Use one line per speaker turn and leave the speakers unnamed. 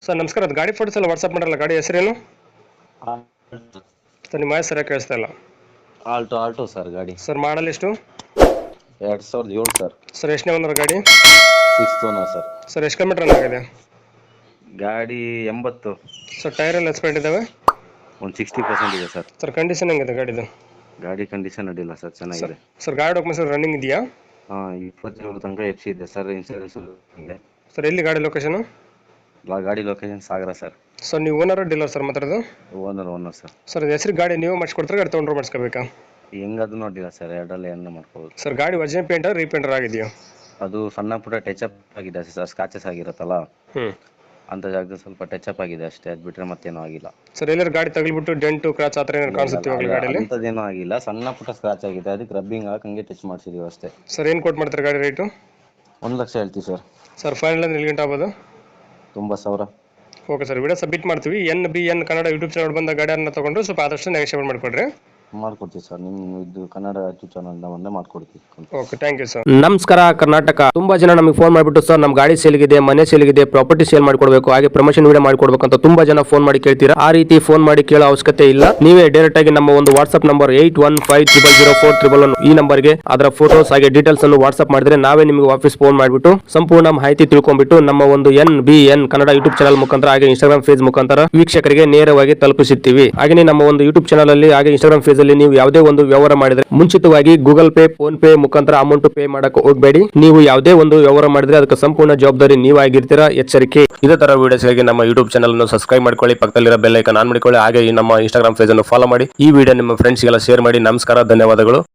Sir ನಮಸ್ಕಾರ, ಅದು ಗಾಡಿ ಫೋಟೋಸ್ ಎಲ್ಲ ವಾಟ್ಸಪ್ ಮಾಡಲ್ಲ. ಗಾಡಿ ಹೆಸರೇನು ಸರ್? ನಿಮ್ಮ ವಾಯ್ಸ್ ಸರಿಯಾಗಿ ಕೇಳಿಸ್ತಾ ಇಲ್ಲ.
Alto sir. ಗಾಡಿ
ಸರ್ ಮಾಡಲ್ ಎಷ್ಟು?
2007 ಸರ್.
ಸರ್ ಎಷ್ಟನೇ ಓನರ್ ಗಾಡಿ?
6th owner sir.
ಸರ್ ಎಷ್ಟು ಕಿಲೋಮೀಟರ್ ರನ್ ಆಗಿದೆ?
ಗಾಡಿ 80.
ಸರ್ ಟೈರ್ ಎಲ್ಲ ಎಕ್ಸ್ಪೈರ್ಡ್ ಇದಾವೆ?
ಒಂದು 60% ಇದೆ ಸರ್.
ಸರ್ ಕಂಡೀಷನ್ ಹೆಂಗಿದೆ ಗಾಡಿದು?
ಗಾಡಿ ಕಂಡೀಷನ್ ಅಡ್ಡಿಲ್ಲ ಸರ್, ಚೆನ್ನಾಗಿದೆ.
ಸರ್ ಗಾಡಿ ಡಾಕ್ಯುಮೆಂಟ್ಸ್ ರನ್ನಿಂಗ್ ಇದೆಯಾ?
27 ತನಕ FC ಇದೆ ಸರ್. ಇನ್ಸೂರೆನ್ಸ್ ಇದೆ.
ಸರ್ ಎಲ್ಲಿ ಗಾಡಿ ಲೊಕೇಶನ್?
ಗಾಡಿ ಲೊಕೇಶನ್ ಸಾಗರ ಸರ್.
ಸರ್ ನೀವು ಓನರ್ ಡೀಲರ್ ಸರ್ ಮಾತಾಡೋದು?
Owner sir.
ಸರ್ ಹೆಸರು ಗಾಡಿ ನೀವು ಮಾಡಿಸ್ಕೊಡ್ತಾರೆ, ಗಾಡಿ ತೊಗೊಂಡ್ರೆ ಮಾಡಿಸ್ಕೋಬೇಕಾ?
ಹೆಂಗದು ನೋಡಿಲ್ಲ ಸರ್, ಎರಡರಲ್ಲಿ ಏನ ಮಾಡ್ಕೋಬೋದು.
ಸರ್ ಗಾಡಿ ಒರಿಜಿನಲ್ ಪೇಂಟರ್ ರೀಪೇಂಟರ್ ಆಗಿದೆಯಾ?
ಅದು ಸಣ್ಣ ಪುಟ್ಟ ಟಚ್ ಅಪ್ ಆಗಿದೆ ಸರ್, ಸ್ಕ್ರಾಚಸ್ ಆಗಿರುತ್ತಲ್ಲ ಅಂತ ಜಾಗದಲ್ಲಿ ಸ್ವಲ್ಪ ಟಚ್ ಅಪ್ ಆಗಿದೆ ಅಷ್ಟೇ. ಅದು ಬಿಟ್ರೆ ಮತ್ತೇನೂ ಆಗಿಲ್ಲ
ಸರ್. ಎಲ್ಲರೂ ಗಾಡಿ ತಗಲಿಬಿಟ್ಟು ಡೆಂಟು ಕ್ರಾಚ್ ಆ ಥರ ಏನಾದ್ರು ಕಾಣಿಸುತ್ತೆ ಇವಾಗ ಗಾಡಿಯಲ್ಲಿ?
ಅಂಥದ್ದೇನೂ ಆಗಿಲ್ಲ, ಸಣ್ಣ ಪುಟ್ಟ ಸ್ಕ್ರಾಚ್ ಆಗಿದೆ. ಅದಕ್ಕೆ ರಬ್ಬಿಂಗ್ ಹಾಕಿ ಹಂಗೆ ಟಚ್ ಮಾಡಿಸಿದೀವಿ ಅಷ್ಟೇ.
ಸರ್ ಏನು ಕೊಟ್ಟು ಮಾಡ್ತಾರೆ ಗಾಡಿ ರೇಟು?
1 ಲಕ್ಷ ಹೇಳ್ತೀವಿ ಸರ್.
ಸರ್ ಫೈನಲ್ ಅಂದ್ರೆ ಎಲ್ಲಿ ಗಂಟೆ ಆಗ್ಬೋದು?
90,000.
ಓಕೆ ಸರ್, ವಿಡಿಯೋ ಸಬ್ಮಿಟ್ ಮಾಡ್ತೀವಿ. NBN ಕನ್ನಡ ಯೂಟ್ಯೂಬ್ ಚಾನಲ್ ಬಂದ ಗಾಡಿಯನ್ನು ತೊಗೊಂಡ್ರು ಸ್ವಲ್ಪ ಆದಷ್ಟು ನೆಗೋಷಿಯೇಟ್ ಮಾಡಿಕೊಡ್ರಿ.
ಮಾಡ್ಕೊಡ್ತೀವಿ ಸರ್. ನಿಮ್ಮ ಇದು ಕನ್ನಡ ಯೂಟ್ಯೂಬ್ ಚಾನಲ್ ಬಂದೇ ಮಾಡ್ಕೊಡ್ತೀವಿ.
Okay, thank you sir.
ನಮಸ್ಕಾರ ಕರ್ನಾಟಕ. ತುಂಬಾ ಜನ ನಮಗೆ ಫೋನ್ ಮಾಡಿಬಿಟ್ಟು ಸರ್ ನಮ್ಮ ಗಾಡಿ ಸೇಲ್ಗಿದೆ, ಮನೆ ಸೇಲ್ಗಿದೆ, ಪ್ರಾಪರ್ಟಿ ಸೇಲ್ ಮಾಡ್ಕೊಡ್ಬೇಕು, ಹಾಗೆ ಪ್ರಮೋಷನ್ ವಿಡಿಯೋ ಮಾಡ್ಕೊಡ್ಬೇಕು ಅಂತ ತುಂಬಾ ಜನ ಫೋನ್ ಮಾಡಿ ಕೇಳ್ತೀರಾ. ಆ ರೀತಿ ಫೋನ್ ಮಾಡಿ ಕೇಳೋ ಅವಶ್ಯಕತೆ ಇಲ್ಲ. ನೀವೇ ಡೈರೆಕ್ಟ್ ಆಗಿ ನಮ್ಮ ಒಂದು ವಾಟ್ಸ್ಆಪ್ ನಂಬರ್ 81500411 ಈ ನಂಬರ್ಗೆ ಅದರ ಫೋಟೋಸ್ ಹಾಗೆ ಡೀಟೇಲ್ಸ್ ಅನ್ನು ವಾಟ್ಸ್ಆಪ್ ಮಾಡಿದ್ರೆ ನಾವೇ ನಿಮಗೆ ವಾಪಸ್ ಫೋನ್ ಮಾಡಿಬಿಟ್ಟು ಸಂಪೂರ್ಣ ಮಾಹಿತಿ ತಿಳ್ಕೊಂಡ್ಬಿಟ್ಟು ನಮ್ಮ ಒಂದು NBN ಕನ್ನಡ ಯೂಟ್ಯೂಬ್ ಚಾನಲ್ ಮುಖಾಂತರ ಹಾಗೆ ಇನ್ಸ್ಟಾಗ್ರಾಮ್ ಫೇಸ್ ಮುಖಾಂತರ ವೀಕ್ಷಕರಿಗೆ ನೇರವಾಗಿ ತಲುಪಿಸುತ್ತೀವಿ. ಹಾಗೆ ನಮ್ಮ ಒಂದು ಯೂಟ್ಯೂಬ್ ಚಾನಲ್ ಅಲ್ಲಿ ಹಾಗೆ ಇನ್ಸ್ಟಾಗ್ರಾಮ್ ಫೇಸ್ ಅಲ್ಲಿ ನೀವು ಯಾವುದೇ ಒಂದು ವ್ಯವಹಾರ ಮಾಡಿದ್ರೆ ಮುಂಚಿತವಾಗಿ ಗೂಗಲ್ ಪೇ, ಫೋನ್ ಪೇ ಮುಖಾಂತರ ಅಮೌಂಟ್ ಪೇ ಮಾಡಕ್ಕೆ ಹೋಗಬೇಡಿ. ನೀವು ಯಾವುದೇ ಒಂದು ವ್ಯವಹಾರ ಮಾಡಿದ್ರೆ ಅದಕ್ಕೆ ಸಂಪೂರ್ಣ ಜವಾಬ್ದಾರಿ ನೀವಾಗಿರ್ತೀರಾ, ಎಚ್ಚರಿಕೆ. ಇದೇ ತರ ವಿಡಿಯೋಸ್ಗಾಗಿ ನಮ್ಮ ಯೂಟ್ಯೂಬ್ ಚಾನಲ್ ಅನ್ನು ಸಬ್ಸ್ಕ್ರೈಬ್ ಮಾಡ್ಕೊಳ್ಳಿ, ಪಕ್ಕದಲ್ಲಿರೋ ಬೆಲ್ ಐಕಾನ್ ಆನ್ ಮಾಡಿಕೊಳ್ಳಿ, ಹಾಗೆ ಈ ನಮ್ಮ ಇನ್ಸ್ಟಾಗ್ರಾಮ್ ಪೇಜ್ ಅನ್ನು ಫಾಲೋ ಮಾಡಿ. ಈ ವಿಡಿಯೋ ನಿಮ್ಮ ಫ್ರೆಂಡ್ಸ್ಗೆಲ್ಲ ಶೇರ್ ಮಾಡಿ. ನಮಸ್ಕಾರ, ಧನ್ಯವಾದಗಳು.